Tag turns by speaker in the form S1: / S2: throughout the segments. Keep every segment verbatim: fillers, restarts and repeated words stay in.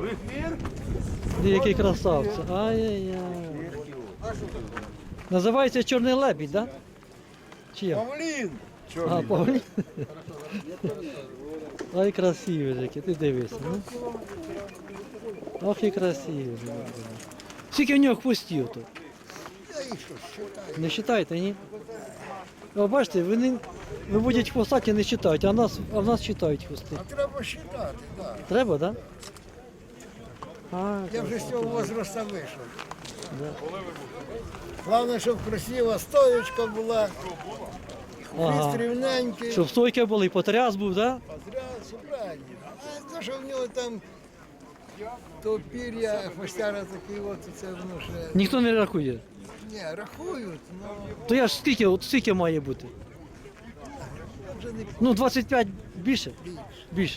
S1: Який красавці. Ай-яй-яй. Називається чорний лебідь, так? Да? Чи як?
S2: Павлін!
S1: А, павлін. Ай, красивий який, ти дивишся. Ну? Ох і красивий. Скільки в нього хвостів тут?
S2: Я їх що, считаю.
S1: Не вважаєте, ні? О, бачите, вони виводять хвостаті, не читають, а нас, а в нас читають хвости.
S2: А треба считати, так.
S1: Треба, так? Да? А,
S2: Я вже з цього возрасту вийшов.
S1: да.
S2: Головне, щоб красива стоєчка була,
S1: Ага.
S2: хвіст рівненький.
S1: Щоб стойка була і потряс був, так? Да?
S2: Подряд, правильно. А те, що в нього там то пір'я, хвостяра такий, от це воно ще...
S1: Ніхто не рахує.
S2: Ні, рахують, але
S1: То я ж скільки, от скільки має бути?
S2: я вже не
S1: Ну, двадцять п'ять більше?
S2: більше.
S1: Більше.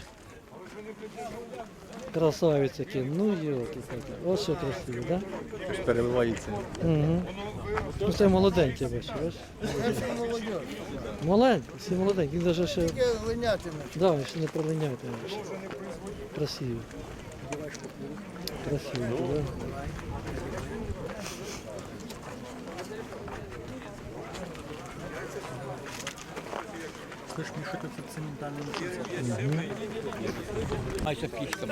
S1: Красавець який, ну йолки такі. Ось що красиво, так?
S3: Щось переливається.
S1: Да? Угу. Ну це молоденький, бачиш, бачиш?
S2: Це все молодь.
S1: Маленький, всі маленький, він навіть ще,
S2: Тільки глинятиме.
S1: да, він ще не пролиняє. Красивий. Красивий, так? Да?
S3: Хочеш мішати це цементальним часом? Майже пічками.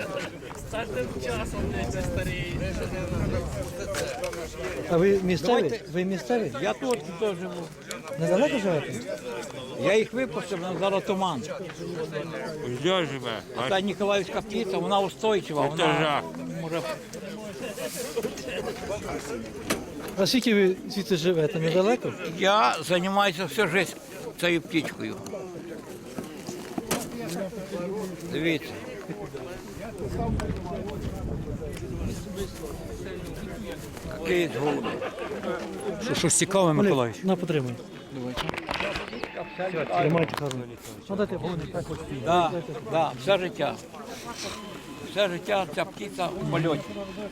S1: А ви місцеві? Ви місцеві?
S4: Я тут теж живу.
S1: Недалеко живете?
S4: Я їх випустив, але зараз туман.
S5: Де живе?
S4: А та Ніколаївська птиця, вона устойчива, вона
S5: жах.
S4: може.
S1: А скільки ви звідси живете? Недалеко?
S4: Я займаюся всю життя цією птичкою. Дивіться. Який голуби.
S3: Що, щось цікаве, Миколаївич?
S1: На, потримай. Тримайте гарно. Ну, дайте,
S4: Да, да, все життя. Все життя ця птиця у польоті.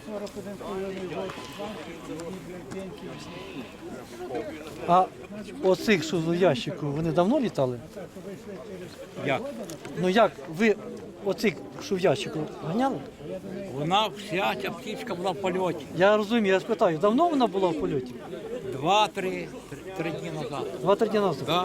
S1: А оцих, що в ящику, вони давно літали?
S4: Як?
S1: Ну як, ви оцих, що в ящику, ганяли?
S4: Вона вся ця птичка була в польоті.
S1: Я розумію, я спитаю, давно вона була в польоті?
S4: Два-три три, три дні назад.
S1: Два-три дні назад.
S4: Да.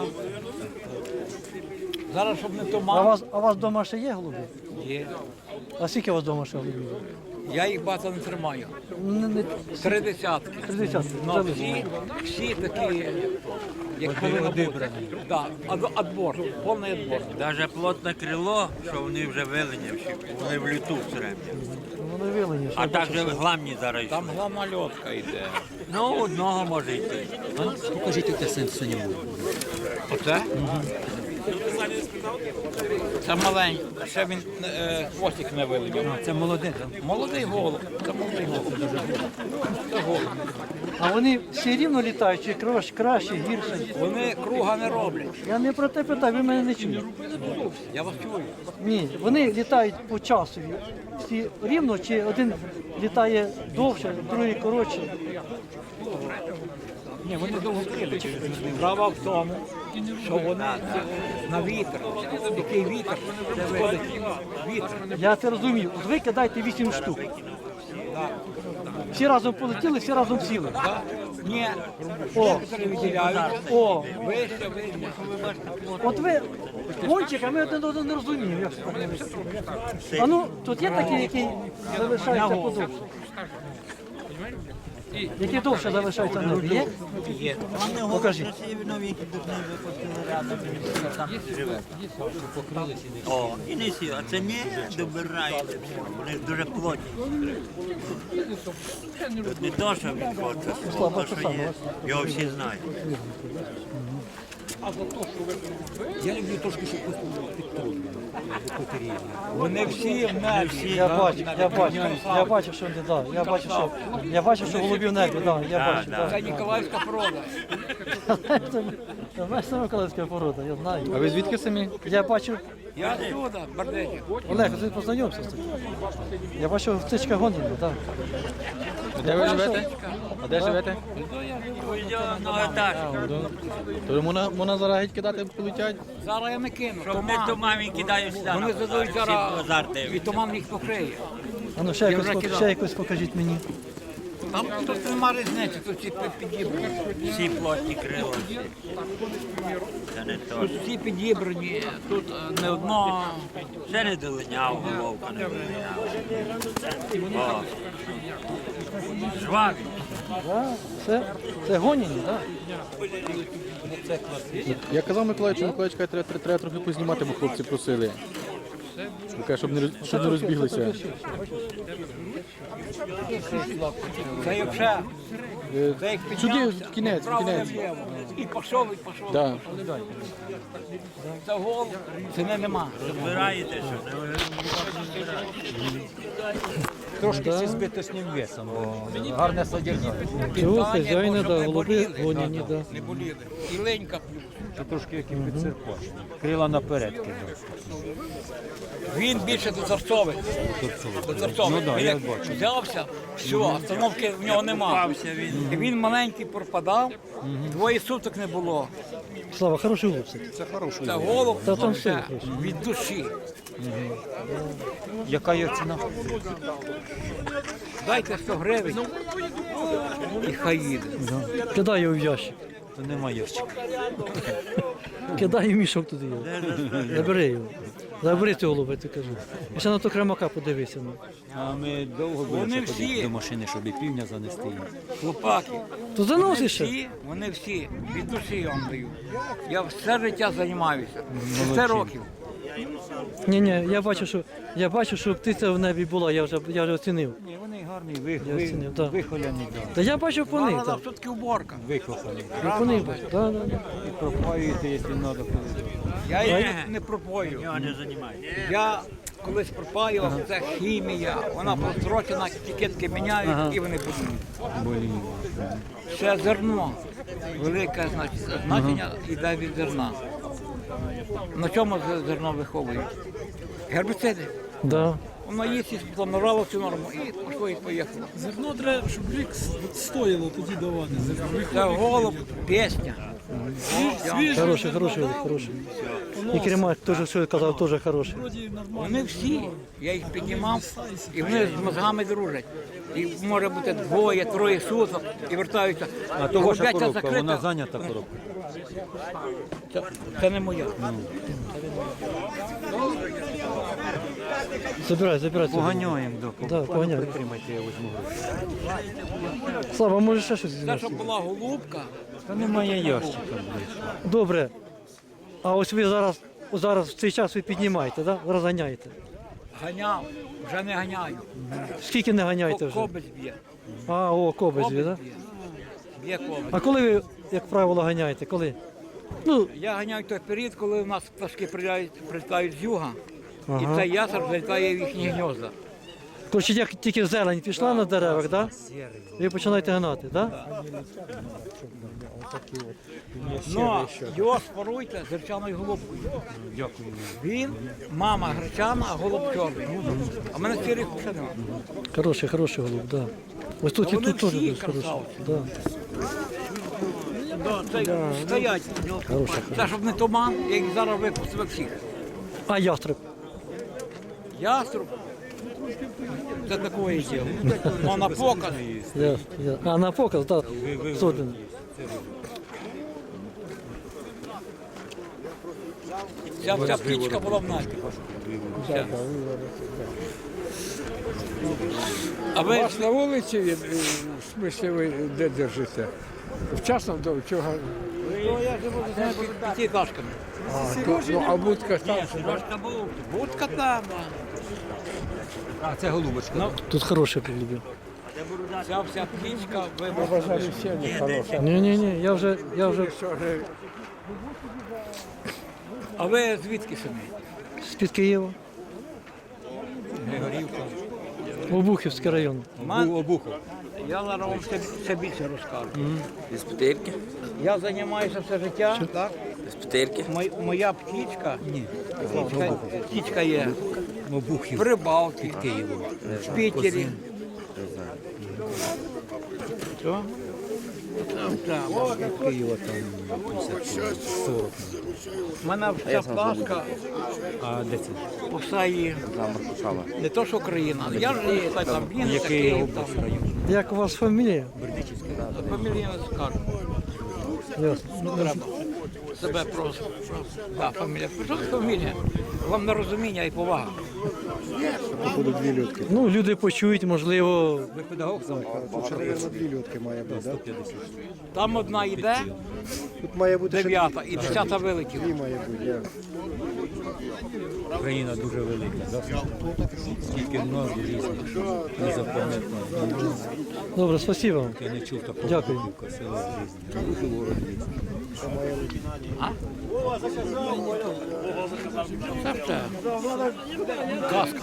S4: Зараз, щоб не
S1: А у
S4: туман,
S1: вас, а у вас вдома ще є голуби?
S4: є.
S1: А скільки у вас вдома ще голубів?
S4: Я їх багато не тримаю.
S1: Не, не,
S4: Три десятки.
S1: три десятки,
S4: Ну,
S1: взяли.
S4: всі, всі такі, як повинно бути. Да, ад- отбор, повний отбор.
S5: Даже плотне крило, що вони вже виленявші, вони в люту все время.
S1: Вони вилені. що
S5: А
S1: я бачу,
S5: також
S1: що-
S5: гламні зараз.
S4: Там гламальотка йде.
S5: Ну, одного може йти.
S3: Покажіть те синьому.
S4: Оце? Це маленький, ще він е, хвостик не вилетів.
S3: Це молоде, так?
S4: Молодий голуб, це молодий голуб. Це голуб.
S1: А вони всі рівно літають, чи краще, краще, гірше?
S4: Вони круга не роблять.
S1: Я не про те питаю, ви мене не чуєте.
S4: Я вас чую.
S1: Ні, вони літають по часу. Всі рівно, чи один літає довше, другий коротше.
S4: Ні, вони довго крили через них. Справа в тому, що вони на вітер. Який вітер? Виходить вітер.
S1: Я це розумію. От ви кидаєте вісім штук. Всі разом полетіли, всі разом сіли.
S4: Да? Ні,
S1: О,
S4: некоторі виділяють.
S1: о,
S4: Вище, вище.
S1: от ви кончик, а ми один одного не розуміємо. Як це так не вийшло. А ну, тут є такий, який залишається подовше. Який довше залишається в небі, є?
S4: Є.
S1: Покажіть.
S5: О, і не сі, а це не добирається. Вони дуже плотні. Тут не то, що він хоче,
S1: Слабо,
S5: то,
S1: це
S5: що
S1: саме.
S5: є. Його всі знають.
S4: Я люблю трошки, щоб підтримувати. Вони всі в небі.
S1: Я бачу, я бачу, я бачу, що вони, да, я бачу, що я бачу, що голубів в небі, да, я бачу, да.
S4: Це Ніколаївська порода.
S1: Це знаєш, це Миколаївська порода, я знаю.
S3: А ви звідки самі?
S1: Я бачу,
S4: Я отсюда, Бардетів.
S1: Олег, ти познайомся з цим. Я бачу, птичка гоніння, так.
S3: Де ви живете? А де живете? То можна, можна зараз геть кидати, полетять?
S4: Зараз я не кину.
S5: Щоб не
S4: Туман.
S5: туман, він кидає сюди.
S4: Вони
S5: на
S4: задують
S5: базар.
S4: зараз
S5: Всі базар
S4: і
S5: дивляться.
S4: туман їх покриє.
S1: А ну ще
S4: Я
S1: якось,
S4: вже
S1: пок-
S4: кидав.
S1: ще якось покажіть мені.
S4: Там тут нема різниці, тут всі підібрані.
S5: Всі плотні крила. Це не то.
S4: Тут всі підібрані, тут е, не одно.
S5: Це не долиняв, головка не долиняв. О. Жваві.
S1: Да, це, це гоніні, так?
S3: Я казав Миколаївичу, Миколаївич каже, треба, треба, треба трохи познімати, бо хлопці просили. Він каже, щоб не, роз- щоб не розбіглися.
S4: Це як ще.
S3: Е,
S4: Це як
S3: Сюди,
S4: піднявся,
S3: в кінець, в
S4: вправо,
S3: кінець.
S4: наліво. І пішов, і пішов.
S3: Да.
S4: Це гол, це не нема.
S5: Збираєте, що не
S6: Трошки зі збиточним весом, бо гарне содержання.
S1: Цього
S4: Питання,
S1: хазяїна,
S4: щоб
S1: да,
S4: не
S1: голуби
S4: боліли,
S1: гоніні,
S4: щоб
S1: да.
S4: Не боліли. І ленька плюс.
S6: Це трошки як і підсерпаш. Крила наперед кидав.
S4: Він більше дозорцовий. Дозорцовий.
S6: Ну да,
S4: Він
S6: я
S4: як
S6: бачу.
S4: взявся, все, остановки в нього нема. Він. він маленький пропадав, двоє суток не було.
S1: Слава, хороший голуб. кстати.
S6: Це хороший.
S4: Це голуб
S1: Та там
S4: вообще
S1: все хорошо.
S4: від душі.
S6: Яка є ціна?
S4: Дайте сто гривень і хай їде.
S1: Кидай його в ящик.
S6: То немає ящика.
S1: Кидай в мішок туди його. Забери його. Забери цього голуба, я тобі кажу. І ще на то кремака подивися. Ну.
S6: А ми довго
S4: Вони
S6: будемо
S4: всі-
S6: ходити до машини, щоб і півня занести їм.
S4: Хлопаки.
S1: То
S4: Вони
S1: заносиш ще.
S4: всі, вони всі від душі я вам даю. Я все життя займаюся. Все
S6: Молодці.
S4: років.
S1: Ні, ні, я бачу, що я бачу, що птиця в небі була, я вже я вже оцінив.
S6: Ні, вони гарні, ви,
S1: Я
S6: ви,
S1: оцінив, да.
S6: вихоляні, да.
S1: Та я бачив по них.
S4: Вона
S1: Так.
S4: все-таки уборка.
S6: Викохані.
S1: Я по них бачу. Да, да, да.
S6: І пропаюєте, якщо треба.
S4: Я їх не пропою.
S5: Нього не займається.
S4: Я колись пропаював, це хімія. Вона прострочена, етикетки міняють і вони будуть. Ще зерно. Велике значить, значення йде від зерна. На чому з- зерно виховують? Гербіциди.
S1: Да.
S4: Воно їсть і спланувало цю норму і пішло і поїхало.
S7: Зерно треба, щоб рік стоїло тоді давати. Зерно.
S4: Це голуб, пісня.
S7: Свіжий
S1: Хороший, хороший голуб, хороший. І кремак теж, що я казав, теж хороший.
S7: вроді нормально.
S4: Вони всі, я їх піднімав, і вони з мозгами дружать. І може бути двоє, троє суток і вертаються.
S6: А то ваша
S4: Голубятня
S6: коробка,
S4: закрита.
S6: вона зайнята коробка.
S4: Це, це не моя.
S1: Забирай, забирай. цього.
S6: Поганяємо, да.
S1: Да, поганяємо.
S6: Притримайте, я візьму гроші.
S1: Слава, може ще щось
S4: Те,
S1: зробити?
S4: що була голубка,
S6: Та немає ящика, блядь.
S1: Добре. А ось ви зараз, зараз в цей час ви піднімаєте, да? Розганяєте.
S4: ганяв, вже не ганяю.
S1: Скільки не ганяєте вже?
S4: Кобець б'є.
S1: А, о, кобець,
S4: Кобець
S1: да?
S4: б'є. Б'є кобець.
S1: А коли ви, як правило, ганяєте? Коли? Ну,
S4: Я ганяю той період, коли у нас пташки прилітають, прилітають з юга,
S1: Ага.
S4: і цей ясер залітає в їхні гнізда.
S1: коротше, як тільки зелень пішла на деревах, да? Ви починаєте гнати, да?
S4: Ну, його споруйте з гречаною голубкою.
S6: Дякую.
S4: Він, мама гречана, а голуб чорний. А в мене сірих ще немає.
S1: Хороший, хороший голуб, да. Ось тут
S4: Та
S1: і
S4: вони
S1: тут теж
S4: всі
S1: дуже хороший.
S4: красавці.
S1: Да.
S4: Це стоять.
S1: Хороший,
S4: Це щоб не туман, я їх зараз випустив всіх.
S1: А ястреб?
S4: Яструб. Це такое діло. Ну, на показ.
S1: Ясно, ясно. А на показ, так, да. Сотень.
S4: Ця вся птічка була в нас. Вся. А ви
S2: Вас на вулиці, він, е, в смислі, ви де держите? Вчасно до чого?
S4: Ну, я живу за п'ятиэтажками.
S2: А, то, ну, а будка там.
S4: Трошка був. Будка там.
S6: А, це голубочка.
S1: Тут хороший голубів.
S4: Ця вся птічка вибрала.
S2: Бажаю всім хорошого.
S1: Ні, ні, ні, я вже, я вже
S2: Що ж,
S4: А ви звідки самі?
S1: з-під Києва.
S4: Григорівка.
S1: Обухівський район.
S6: Обухов.
S4: Я зараз вам ще, ще більше розкажу.
S8: З Петирки?
S4: Я займаюся все життя, так?
S8: З Петирки?
S4: Мой- Моя птічка, птічка, птічка є
S6: Обухів.
S4: в Рибалці, в Пітері. Що?
S6: Києва там п'ятдесят сорок.
S4: У мене вся плашка,
S6: А де це?
S4: усе є. Не то, що Україна. Я ж є, так, там він,
S6: Який
S4: такий, там.
S6: область район?
S1: Як у вас фамілія?
S4: Фамілію не скажу.
S1: Ясно.
S4: Треба себе просто. Да, фамілія. Що це фамілія? Вам на розуміння і повага.
S1: Ну, люди почують, можливо,
S4: Ви педагог сам?
S8: Дві льотки має бути, так?
S4: Там одна йде,
S8: Тут має бути ще
S4: дев'ята, і десята вилетіла.
S8: дві має бути, я.
S6: Україна дуже велика, да? Скільки назв різних, не запам'ятав.
S1: добре, спасибо вам.
S6: Я не чув такого.
S1: Дякую.
S6: Село різне, дуже город різний.
S4: Це все. Казка.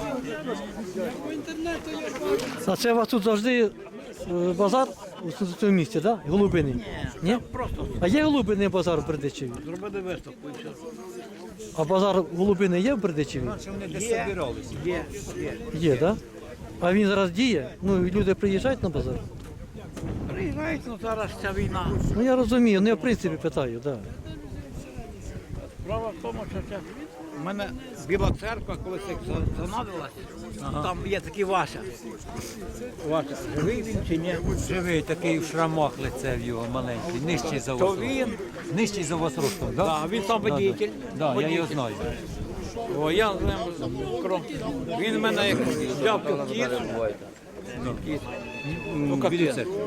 S1: А це у вас тут завжди е, базар у цьому місці, так? Да? Голубиний? Ні?
S4: Просто
S1: А є голубиний базар в Бердичеві?
S4: зробили виставку і все.
S1: А базар голубиний є в Бердичеві?
S6: Вони десь збиралися.
S4: Є, є.
S1: Є, так? Да? А він зараз діє? Ну, і люди приїжджають на базар?
S4: Приїжджають, ну зараз ця війна.
S1: Ну я розумію, ну я в принципі питаю, так. Да.
S4: Справа в тому, що це у мене Біла церква, коли це занадилась, там є такий Вася. Вася, живий він чи ні?
S6: Живий такий в шрамах лице в його маленький, нижчий за
S4: То
S6: вас.
S4: він,
S6: Нижчий за вас ростом, так?
S4: да, він там водитель.
S6: Так, я його знаю.
S4: О, я з ним кром. Він мене як взяв під кіт. Кіт. Ну,
S6: Біля
S4: капець.
S6: церкви.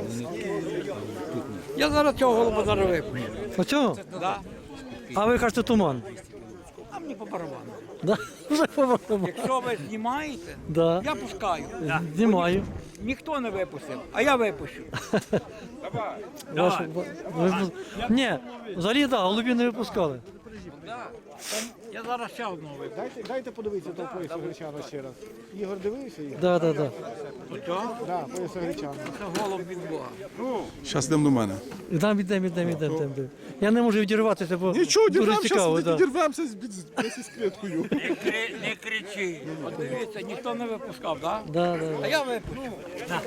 S4: Я зараз цього голуба зараз випню.
S1: Оцього?
S4: Да?
S1: А ви кажете туман?
S4: А мені по барабану.
S1: Да? Вже побачимо.
S4: Якщо ви знімаєте,
S1: Да.
S4: я пускаю.
S1: Знімаю.
S4: Ніхто не випустив, а я випущу.
S1: Ваш- ви- ви- Ні, взагалі так, да, голубі не випускали.
S4: Я зараз ще одного випущу.
S8: Дайте, дайте подивитися того пояса Гречана ще раз. Ігор дивився їх?
S1: Да, да, да.
S4: Оцього?
S8: Так, пояса Гречана.
S4: Це голуб від Бога.
S9: Зараз йдемо до мене.
S1: Ідемо, ідемо, ідемо, ідемо, ідемо. Я не можу відірватися, бо
S9: Нічого,
S1: дуже
S9: дірвемося,
S1: цікаво. Да.
S9: дірвемося з, з, з кліткою.
S4: Не, кри, не кричи. От дивіться, ніхто не випускав, так? Да?
S1: Да, да,
S4: А
S1: да.
S4: я випущу. На.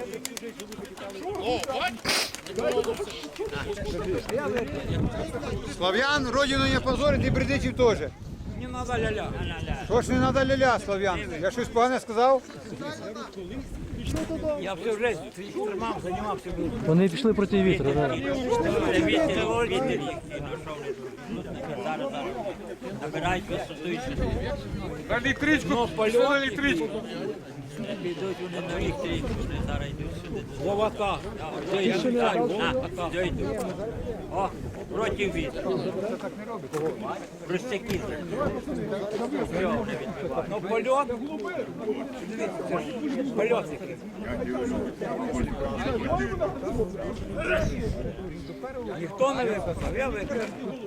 S2: Слав'ян, родину не позорить і Бердичів теж.
S4: Не треба ля-ля.
S2: Що ж не треба ля-ля, Слав'ян? Я щось погане сказав?
S4: Я всю життя тримав, займався.
S1: Вони пішли проти вітру. Да.
S5: Вітер, вітер їх і дійшов не зараз, зараз. Набирають висоту і ще.
S4: На електричку, ну, на електричку.
S5: Підуть вони на електричку, вони зараз йдуть сюди.
S4: Ловата.
S5: Я вітаю, на, дойду. О, проти вітру. Простяки.
S4: Ну, польот. Дивіться, це ж польот який. Ніхто не випускав, я випустив.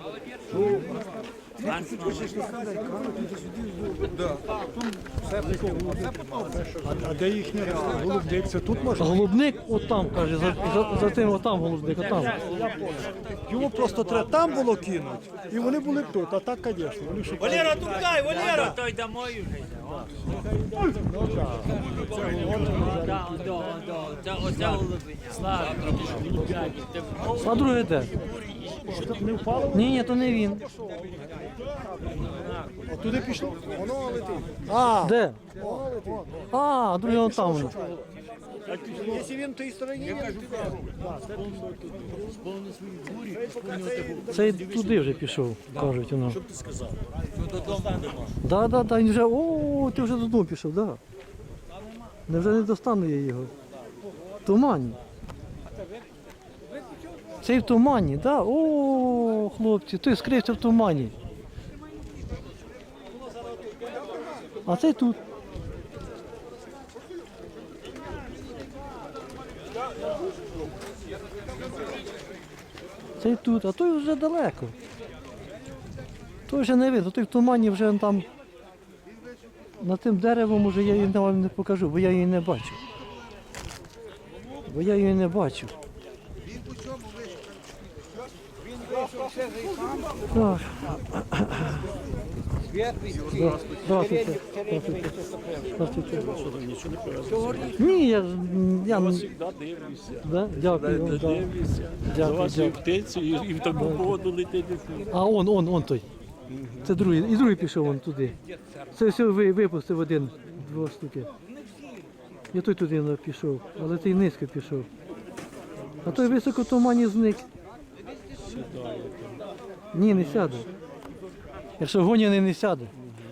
S8: А де їхня голубник? Це тут можна?
S1: Голубник отам, каже, за, за, за тим отам голубник, отам.
S8: Його просто треба там було кинути. І вони були тут, а так, звісно. Вони шукали.
S4: Валера, тукай, Валера!
S5: Той домой вже. Да, да, да. Це оце голубиня. Слава.
S1: А друге де?
S8: Не впало?
S1: Ні, ні, то не він.
S8: От туди пішло? Воно летить. А,
S1: Де? А, друге он там. воно.
S8: якщо він в тій стороні,
S1: Це туди вже пішов, кажуть воно. Що ти сказав? Да, да, да, він вже, о, ти вже додому пішов, да. Невже не достану я його? В тумані. Цей в тумані, да? О, хлопці, той скрився в тумані. А цей тут. Цей тут, а той вже далеко. Той вже не видно, той в тумані вже там над тим деревом уже я її вам не покажу, бо я її не бачу. Бо я її не бачу. Так. Да. Здравствуйте. Здравствуйте. Здравствуйте. Ні, я, я да? Дякую вам. Да. Дякую, дякую.
S6: птицю і в таку погоду летити.
S1: А он, он, он той. Це другий. І другий пішов он туди. Це все ви, випустив один, два штуки. Я той туди пішов, але той низько пішов. А той високо в тумані зник. Ні, не сяде. Якщо гоняний, не сяде.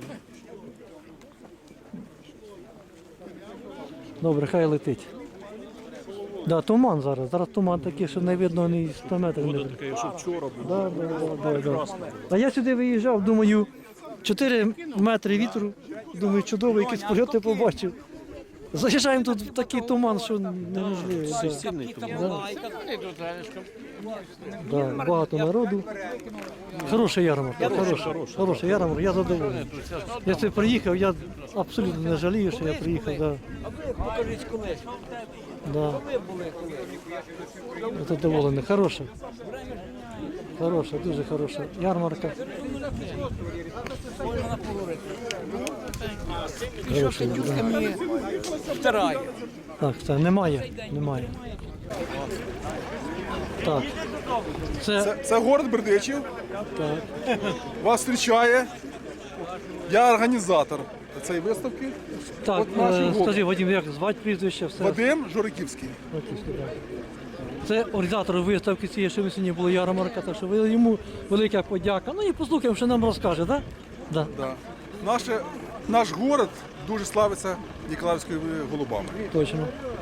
S1: Добре, хай летить. Да, туман зараз. Зараз туман такий, що не видно ні сто метрів. Не видно.
S6: Таке, що вчора було.
S1: Да, да, да, да, да. А я сюди виїжджав, думаю, чотири метри вітру. Думаю, чудово, якісь польоти побачив. Заїжджаємо тут в такий туман, що неможливо. Да. Да, багато народу. Хороша ярмарка, хороша, хороша ярмарка, я задоволений. Я це приїхав, я абсолютно не жалію, що я приїхав. Да.
S4: Покажіть колись.
S1: Да.
S4: Ви були коли.
S1: Я задоволений, хороша. Хороша, дуже хороша ярмарка.
S4: Можна поговорити.
S1: Хороша,
S4: Що
S1: да.
S4: Катюшка мені втирає.
S1: Так, це немає, немає. Так. Це,
S9: Це, це город Бердичів.
S1: так.
S9: Вас зустрічає. Я організатор цієї виставки.
S1: Так,
S9: От наші
S1: е,
S9: гості.
S1: скажи, Вадим, як звати прізвище, все.
S9: Вадим Жориківський.
S1: Батьківський, так. Це організатор виставки цієї, що ви сьогодні була ярмарка, так що ви- йому велика подяка. Ну і послухаємо, що нам розкаже, так? Да?
S9: Да. Наше, наш город дуже славиться ніколаївськими голубами.
S1: Точно.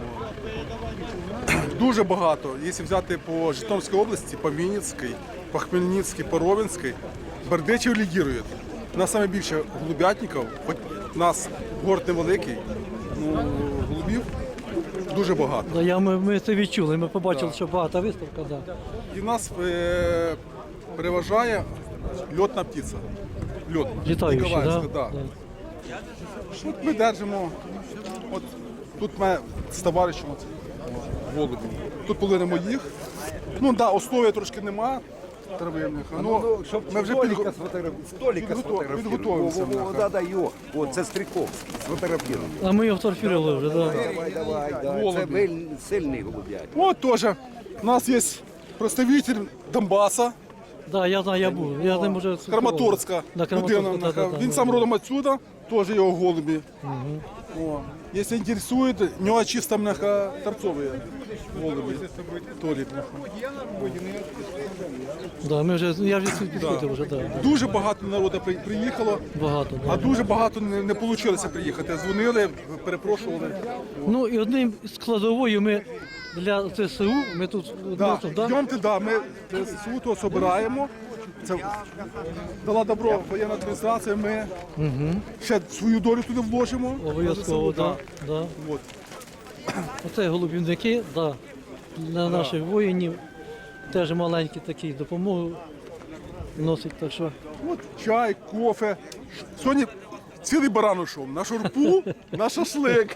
S9: Дуже багато. Якщо взяти по Житомирській області, по Вінницькій, по Хмельницькій, по Ровенській, Бердичів лідірує. У нас найбільше голубятників, хоч у нас город невеликий, ну, голубів дуже багато.
S1: Да, я, ми, ми це відчули, ми побачили, що багата виставка, да.
S9: І нас е, переважає льотна птиця. Льот.
S1: Літаючі,
S9: Ніколаївська,
S1: да?
S9: да. От ми держимо, от тут ми з товаришем от, голубі. Тут половина моїх. Ну так, да, основи трошки нема. Травивних. Ну, ми вже підго...
S10: Столика
S9: підготов- підготовимося.
S10: О, да, да, його. О, це Стріковський, сфотографіруємо.
S1: А ми його фотографували вже, да.
S10: Давай, давай, да. Це вельми сильний голуб'ять.
S9: От теж у нас є представитель Донбаса,
S1: Да, я знаю, я був. Я з ним вже
S9: Краматорська
S1: Да,
S9: людина.
S1: Краматорська, да, да,
S9: Він
S1: да,
S9: сам
S1: да.
S9: родом отсюда, теж його голубі. О. Якщо інтересує, у нього чисто мляха торцові голуби. Толік.
S1: Да, ми вже, я вже сюди підходив вже, да.
S9: Дуже багато народу при- приїхало,
S1: Багато,
S9: а
S1: да.
S9: дуже багато не, не вийшло приїхати. Дзвонили, перепрошували.
S1: Ну і одним складовою ми для ЦСУ, ми тут
S9: Да.
S1: вносимо, да?
S9: Йдемте, да, ми суто збираємо. Це дала добро воєнна адміністрація, ми ще свою долю туди вложимо.
S1: Обов'язково, да, да.
S9: От.
S1: Оце голубівники, да, для наших воїнів. Теж маленькі такі допомогу носить, так що.
S9: От чай, кофе. Сьогодні цілий баран ушов на шурпу, на шашлик.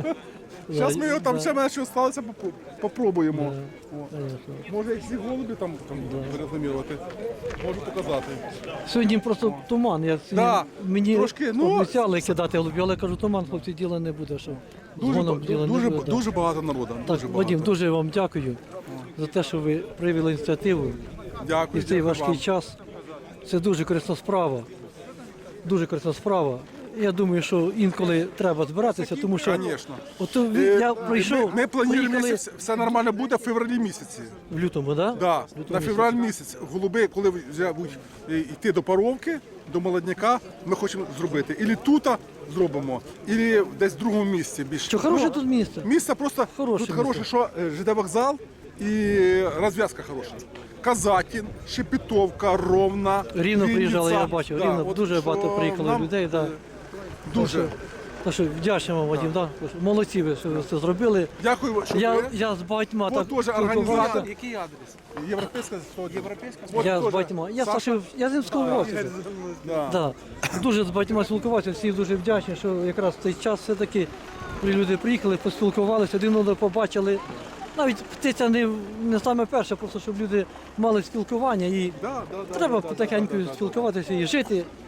S9: Зараз ми його там
S1: Да.
S9: ще мене що сталося, попро- попробуємо. О.
S1: Конечно.
S9: Може, як ці голуби там, там рекламувати, можу показати.
S1: Сьогодні просто туман. Я сьогодні,
S9: Да,
S1: мені
S9: трошки, ну,
S1: обіцяли кидати голубів, але кажу, туман, хлопці, діла не буде, що з
S9: Дуже,
S1: гоном
S9: ба-
S1: діла
S9: дуже,
S1: не буде. да.
S9: дуже багато народу.
S1: Так,
S9: Дуже
S1: Вадим,
S9: багато.
S1: дуже вам дякую за те, що ви проявили ініціативу і
S9: Дякую,
S1: в цей
S9: дякую
S1: важкий
S9: вам.
S1: час. Це дуже корисна справа. Дуже корисна справа. Я думаю, що інколи треба збиратися, тому що
S9: Звісно.
S1: от ви-
S9: Е,
S1: я прийшов,
S9: Ми, ми плануємо
S1: поїхали
S9: місяць, все нормально буде в февралі місяці.
S1: в лютому, да?
S9: Да,
S1: В лютому
S9: на февраль місяць. Голуби, коли вже будуть е, йти до паровки, до молодняка, ми хочемо зробити. Ілі тут зробимо, ілі десь в другому місці. Більш
S1: Що хороше тут місце?
S9: Місце просто
S1: Хороше
S9: тут хороше, що е, ЖД вокзал і розв'язка хороша. Казатін, Шепетовка, Ровна,
S1: Рівно
S9: Вінниця.
S1: приїжджали, я бачив.
S9: Да,
S1: Рівно
S9: от
S1: дуже
S9: що
S1: багато приїхало
S9: нам,
S1: людей. Да.
S9: е, Дуже.
S1: Так що вдячний вам, Вадим, да. Молодці ви, що ви це зробили.
S9: Дякую, що
S1: Я,
S9: ви.
S1: я з багатьма
S9: От
S1: так
S9: теж організатор.
S1: спілкувався.
S9: Який адрес? Європейська Європейська?
S1: Я з багатьма. Я Саша, я з ним спілкувався.
S9: Да.
S1: Да. Дуже з багатьма спілкувався, всі дуже вдячні, що якраз в цей час все-таки люди приїхали, поспілкувалися, один одного побачили. Навіть птиця не, не саме перше, просто щоб люди мали спілкування і
S9: Да, да, да,
S1: треба
S9: да,
S1: потихеньку
S9: да, да, да.
S1: спілкуватися і жити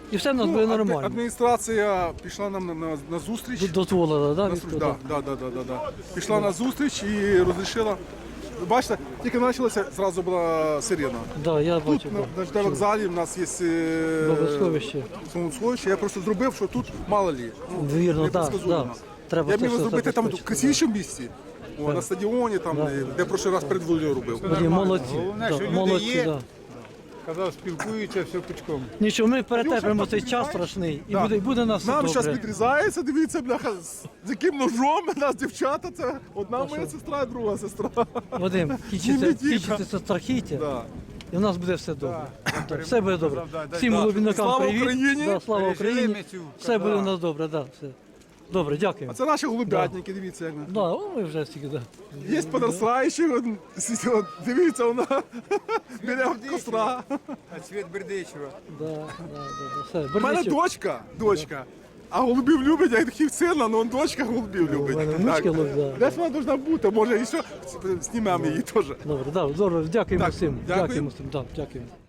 S1: І все в нас буде
S9: адми-
S1: нормально.
S9: Адміністрація пішла нам на, на, на зустріч.
S1: Д- Дозволила, да,
S9: На
S1: військово?
S9: зустріч, да, да, да, да, да, да. Пішла на зустріч і розрішила. Бачите, тільки почалося, зразу була сирена.
S1: Да, я
S9: Тут
S1: бачив.
S9: на,
S1: да.
S9: на ЖД вокзалі в нас є е,
S1: Богословище.
S9: Богословище. Я просто зробив, що тут мало лі. Ну,
S1: Вірно, так,
S9: непредсказуемо.
S1: да. Треба
S9: Я б
S1: це
S9: міг
S1: все
S9: зробити там в
S1: забезпечити,
S9: красивішому місці. О, на стадіоні, там,
S1: Да.
S9: де, де прошлий раз перед Волею робив.
S1: Вадим, молодці. Да, молодці, да.
S2: Коли спілкуються, все пучком.
S1: Нічого, ми перетерпимо цей час страшний і
S9: Да.
S1: буде, буде нас все
S9: Нам зараз
S1: добре.
S9: підрізається, дивіться, бляха, з з яким ножом у нас дівчата, це одна моя сестра, а друга сестра.
S1: Вадим, кінчиться,
S9: Зніміть їх.
S1: кінчиться це страхіття,
S9: Да.
S1: і в нас буде все добре. Да, все буде добре. Всім голубінникам
S9: Слава
S1: привіт.
S9: Україні!
S1: Да, слава Україні. Все буде у нас добре, да, все. Добре, дякую.
S9: А це наші голубятники, дивіться, як ми.
S1: Да, о, ми вже всі, да.
S9: Є подростаючі, от, с- от, дивіться, вона біля костра.
S2: А цвіт Бердичева.
S1: Да, да, да, да, все.
S9: У мене
S1: Бердичів.
S9: дочка, дочка. А голубів любить, як таких сина, але дочка голубів любить.
S1: У мене внучки лов- да.
S9: Десь вона повинна бути, може і що, знімемо її теж.
S1: Добре, да, здорово, дякуємо
S9: Так,
S1: всім.
S9: дякую.
S1: Дякуємо всім, да, дякуємо.